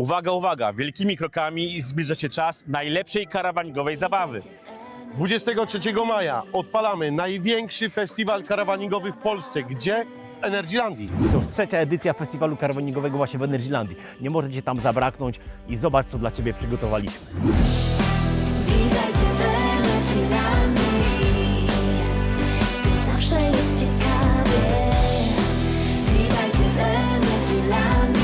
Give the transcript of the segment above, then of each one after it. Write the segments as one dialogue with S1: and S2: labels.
S1: Uwaga, uwaga, wielkimi krokami zbliża się czas najlepszej karawaningowej zabawy.
S2: 23 maja odpalamy największy festiwal karawaningowy w Polsce. Gdzie? W Energylandii.
S3: To już trzecia edycja festiwalu karawaningowego właśnie w Energylandii. Nie możecie tam zabraknąć i zobacz, co dla Ciebie przygotowaliśmy.
S4: Witajcie w Energylandii, tu zawsze jest ciekawie. Witajcie w Energylandii.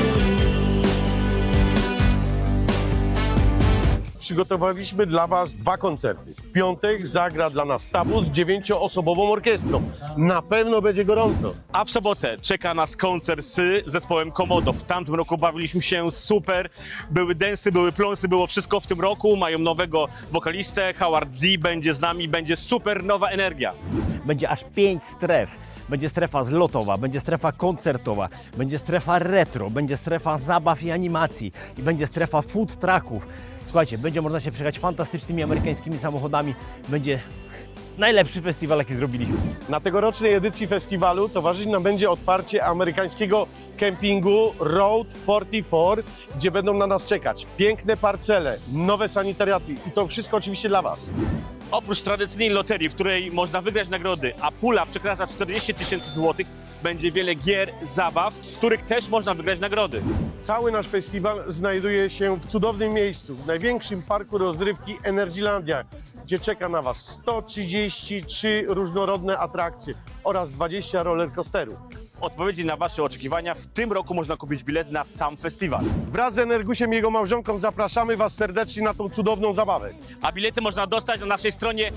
S2: Przygotowaliśmy dla Was 2 koncerty. W piątek zagra dla nas Tabu z 9-osobową orkiestrą. Na pewno będzie gorąco.
S1: A w sobotę czeka nas koncert z zespołem Komodo. W tamtym roku bawiliśmy się super. Były densy, były pląsy, było wszystko w tym roku. Mają nowego wokalistę, Howard D będzie z nami, będzie super nowa energia.
S3: Będzie aż 5 stref. Będzie strefa zlotowa, będzie strefa koncertowa, będzie strefa retro, będzie strefa zabaw i animacji i będzie strefa food trucków. Słuchajcie, będzie można się przejechać fantastycznymi amerykańskimi samochodami. Będzie najlepszy festiwal, jaki zrobiliśmy.
S2: Na tegorocznej edycji festiwalu towarzyszyć nam będzie otwarcie amerykańskiego kempingu Road 44, gdzie będą na nas czekać piękne parcele, nowe sanitariaty i to wszystko oczywiście dla Was.
S1: Oprócz tradycyjnej loterii, w której można wygrać nagrody, a pula przekracza 40 000 złotych, będzie wiele gier, zabaw, w których też można wygrać nagrody.
S2: Cały nasz festiwal znajduje się w cudownym miejscu, w największym parku rozrywki Energylandia, gdzie czeka na Was 133 różnorodne atrakcje oraz 20 rollercoasterów.
S1: W odpowiedzi na Wasze oczekiwania w tym roku można kupić bilet na sam festiwal.
S2: Wraz z Energusiem i jego małżonką zapraszamy Was serdecznie na tą cudowną zabawę.
S1: A bilety można dostać na naszej stronie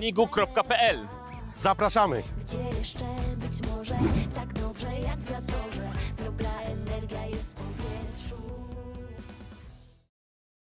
S1: festiwalkarawaningu.pl.
S2: Zapraszamy!
S4: Gdzie jeszcze być może tak dobrze jak w Zatorze.